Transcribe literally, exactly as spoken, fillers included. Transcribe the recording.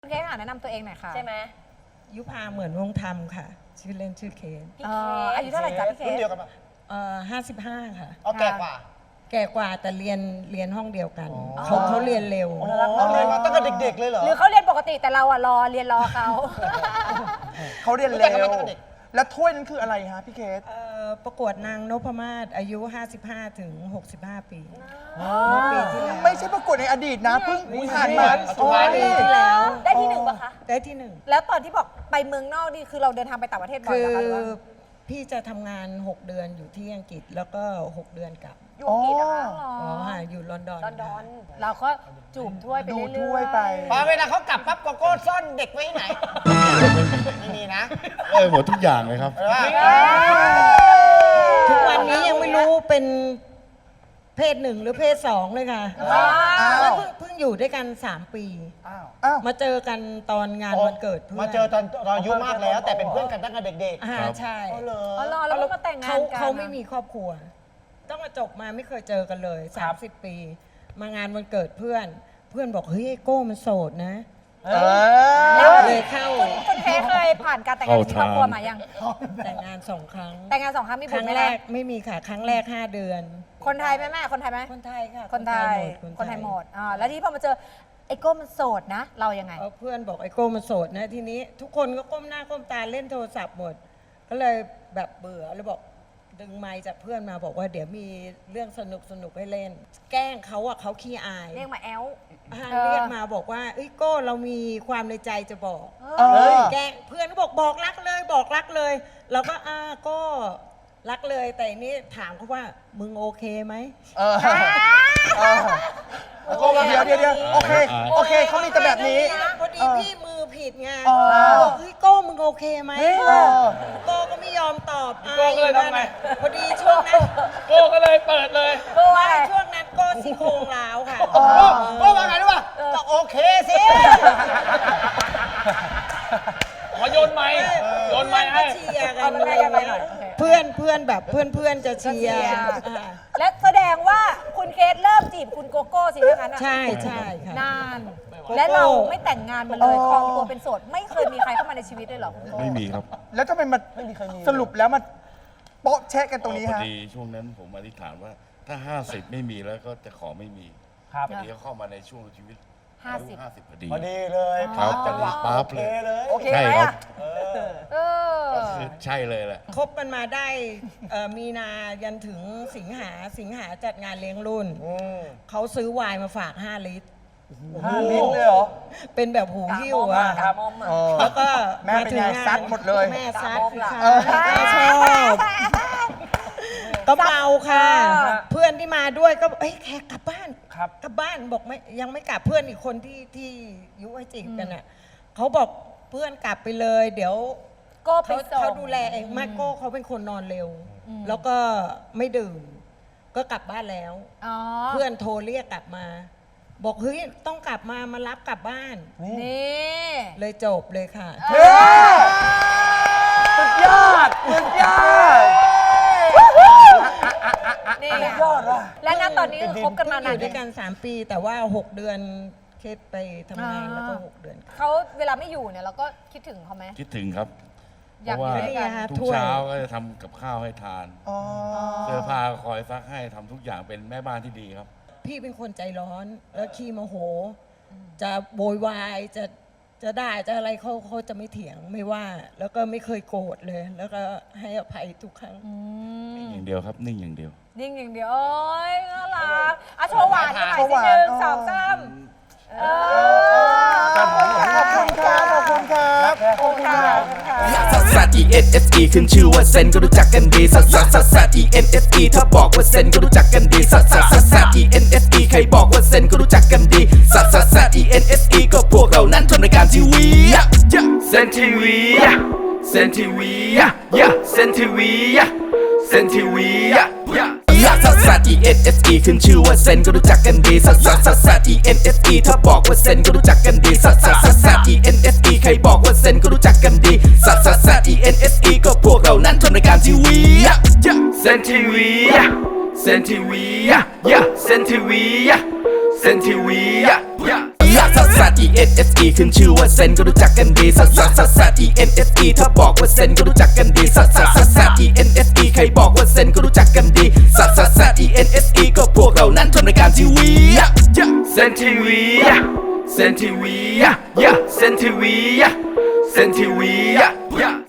คุณเคสค่ะแนะนำตัวเองหน่อยค่ะใช่ไหมยุพาเหมือนวงธรรมค่ะ ชื่อเล่นชื่อเคสพี่เอ่เคอสอายุเท่าไหร่จ๊ะพี่เครุ่นสเดียวกันปะเอ่อห้าสิบห้าค่ะเอาแก่กว่าแก่กว่าแต่เรียนเรียนห้องเดียวกันอ๋อเขาเขาเรียนเร็วอ๋อเรียนมาตั้งแต่เด็กๆเลยเหรอหรือเขาเรียนปกติแต่เราอะรอเรียนรอเขาเขาเรียนรู้เร็จักกันวมาตั้งแต่เด็กแล้วถ้วยนั้นคืออะไรฮะพี่เคสเอ่อประกวดนางนพมาศอายุ ห้าสิบห้าถึงหกสิบห้า ปีเมื่อปีที่แล้วไม่ใช่ประกวดในอดีตนะเพิ่งผ่านมาปัจจุบันปีที่แล้วได้ที่หนึ่งปะคะได้ที่หนึ่งแล้วตอนที่บอกไปเมืองนอกนี่คือเราเดินทางไปต่างประเทศบ่อยคืเหรออคะหรือว่าพี่จะทำงาน หก เดือนอยู่ที่อังกฤษแล้วก็ หก เดือนกลับอยู่อังกฤษนะคะอ๋ออ๋อค่ะอยู่ลอนดอนลอนดอนเราก็จูบถ้วยไปดูเรื่อยๆถ้วยไปพอเวลาเขากลับปั๊บโกโก้ซ่อนเด็กไว้ที่ไหน ไม่มีนะเออหมดทุกอย่างเลยครับเออทุกวันนี้ยังไม่รู้เป็นเพศหนึ่งหรือเพศสองเลยค่ะอ้าวแล้วเพิ่งเพิ่งอยู่ด้วยกัน สาม ปีอ้าวอ้าวมาเจอกันตอนงานวันเกิดเพื่อนมาเจอตอนตอนอายุมากแล้ว แต่เป็นเพื่อนกันตั้งแต่เด็กอ่าครับใช่ๆอ๋อเหรออ๋อรอแล้วก็มาแต่งงาเขานกันเขาไม่มีครอบครัว ต้องมาจบมาไม่เคยเจอกันเลย สามสิบ ปี มางานวันเกิดเพื่อน เพื่อนบอกเฮ้ยไอ้โก้มันโสดนะเอแล้วอเลยเข้าคุณคุณเคสเคยผ่านการแต่งงานที่ครอบครัวมายังแต่งงานสองครั้งแต่งงานสองครั้งมีคบุตรั้รง ไหมแรล่ะกไม่มีค่ะ ครั้งแรก ห้า เดือนคนไทยไหมแม่คนไทยไหมคนไทยค่ะคนไทยหมดคนไทยหมดอ่าแล้วที่พอมาเจอไอ้โก้มันโสดนะ เรายังไงเอาเพื่อนบอกไอ้โก้มันโสดนะทีนี้ ทุกคนก็ก้มหน้าก้มตาเล่นโทรศัพท์หมด ก็เลยแบบเบื่อแล้วบอกดึงไมค์จากเพื่อนมาบอกว่าเดี๋ยวมีเรื่องสนุกสนุกให้เล่น แกล้งเขาอะเขาขี้อายเรียกมาแอลอ่าเออเรียกมาบอกว่าเอ้ยโก้เรามีความในใจจะบอกเออแกล้งเพื่อนก็บอกบอกรักเลยบอกรักเลยเราก็อ่าก็รักเลยแต่อันนี้ถามเขาว่ามึงโอเคไหมเออเออโก้เดี๋ยวเดี๋ยวเดี๋ยวโอเคโอเคเขามีแต่แบบนี้พอดีพี่มือผิดไงอ๋อบอกเฮ้ยโก้มึงโอเคไหมเออโก้ก็ไม่ยอมตอบโก้ก็เลยทำไงพอดีช่วงนั้นโก้ก็เลยเปิดเลยโก้ว่าไม่ช่วงนั้นโก้ซี่โครงร้าวค่ะโอ้ก็ว่าไงรู้ป่ะก็โอเคสิขอโยนไม้โยนไม้ให้เชียร์กัเอานมาอะไรให้กันไปเงี้หน่อยยโอเคเพื่อนเพื่อนแบบเพื่อนเพื่อนจะเชียร์เชียร์อ่าและแสดงว่าคุณเคสเริ่มจีบคุณโกโก้สิถ้างั้นอะใช่ใช่ค่ะนาน และเราไม่แต่งงานมาเลยครองตัวเป็นโสด ไม่เคยมีใครเข้ามาในชีวิตเลยเหรอคุณโก้ไม่มีครับแล้วทำไมมาไม่มีใครมีสรุปแล้วมาโป๊ะแชะกันตรงนี้พอฮะดีช่วงนั้นผมอธิษฐานว่าถ้า ห้าสิบ ไม่มีแล้วก็จะขอไม่มีครับพอดีเขาเข้ามาในช่วงชีวิตห้าสิบห้าสิบพอดีพอดีเลยครับจังหวะปั๊บโอเคเลยเลยโอเคใช่ไหมครัอะบเออก็คือใช่เลยแหละคบกันมาได้เอ่อมีนายันถึงสิงหาสิงหาจัดงานเลี้ยงรุ่นอืมเขาซื้อไวน์มาฝาก ห้า ลิตรห้าลิตรเลยเหรอเป็นแบบหูหิ้วกะอะมอมอะกะมอมอะเออแล้วก็แม่เป็นไงาถึงาซัดหมดเลยแม่ซัดกะมอมล่ะค่ะเออแม่ชอบก็เมาค่ะเออเพื่อนที่มาด้วยก็เอ้ยแขกกลับบ้านครับกลับบ้านบอกไม่ยังไม่กลับเพื่อนอีกคนที่ที่ยุให้จีบกันอ่ะเขาบอกเพื่อนกลับไปเลย เดี๋ยวโก้ไปเขาส่งเขาดูแลเองมาโก้เขาเป็นคนนอนเร็ว แล้วก็ไม่ดื่ม ก็กลับบ้านแล้วอ๋อเพื่อนโทรเรียกกลับมา บอกเฮ้ยต้องกลับมามารับกลับบ้านนี่เลยจบเลยค่ะเฮ้ยสุดยอดสุดยอดนี่ไงและณตอนนี้คือคบกันมาเพิ่งอนานยู่ด้วยกัน สาม ปี แต่ว่า หก เดือนเคสไปทำงานอ่าแล้วก็ หก เดือนเขาเวลาไม่อยู่เนี่ยเราก็คิดถึงเขาไหมคิดถึงครับอยากอยู่ด้วยกันเพราะว่าทุกเช้าก็จะทำกับข้าวให้ทานอ๋อเสื้อผ้าก็คอยซักให้ทำทุกอย่างเป็นแม่บ้านที่ดีครับพี่เป็นคนใจร้อน แล้วขี้โมโห จะโวยวายจะจะด่าจะอะไรเขาเขาจะไม่เถียงไม่ว่า แล้วก็ไม่เคยโกรธเลย แล้วก็ให้อภัยทุกครั้งนิ่งอย่างเดียวครับ นิ่งอย่างเดียวนิ่งอย่างเดียวโอ้ยน่ารักอ่ะโชว์หวานกันหน่อยโชว์หสิวานหนึ่งอ๋อสองสามเออขอบคุณครับ ขอบคุณครับ ขอบคุณครับขอบคุณค่ะซัสซัส E N S E ขึ้นชื่อว่าเซนก็รู้จักกันดีซัสซัสซัสซัส E N S E ถ้าบอกว่าเซนก็รู้จักกันดีซัสซัสซัสซัส E N S E ใครบอกว่าเซนก็รู้จักกันดีซัสซัสซัส E N S E ก็พวกเรานั้นทำรายการทีวีเซนทีวีเซนทีวีเซนทีวีเซนทีวีซัสซัสซัส E N S E ขึ้นชื่อว่าเซนก็รู้จักกันดีซัสซัสซัสซัส E N S E ถ้าบอกว่าเซนก็รู้จักกันดีซัสซัสซัสซัส E N S E ใครบอกว่าเซนก็รู้จักกันดีซัสซัสซัส E N S E ก็พวกเรานั้นทำรายการทีวีเซนทีวีเซนทีวีเซนทีวีเซนทีวีซัสซัสซัส E N S E ขึ้นชื่อว่าเซนก็รู้จักกันดีซัสซัสซัสซัส E N S E ถ้าบอกว่าเซนก็รู้จักกันดีซัสซัสซัสซัส E N S E ใครบอกว่าเซนก็รู้จักกันดีซัสซัสซัส E N S E ก็พวกเรานั้นทำรายการทีวีเซนทีวีเซนทีวีเซนทีวีเซนทีวี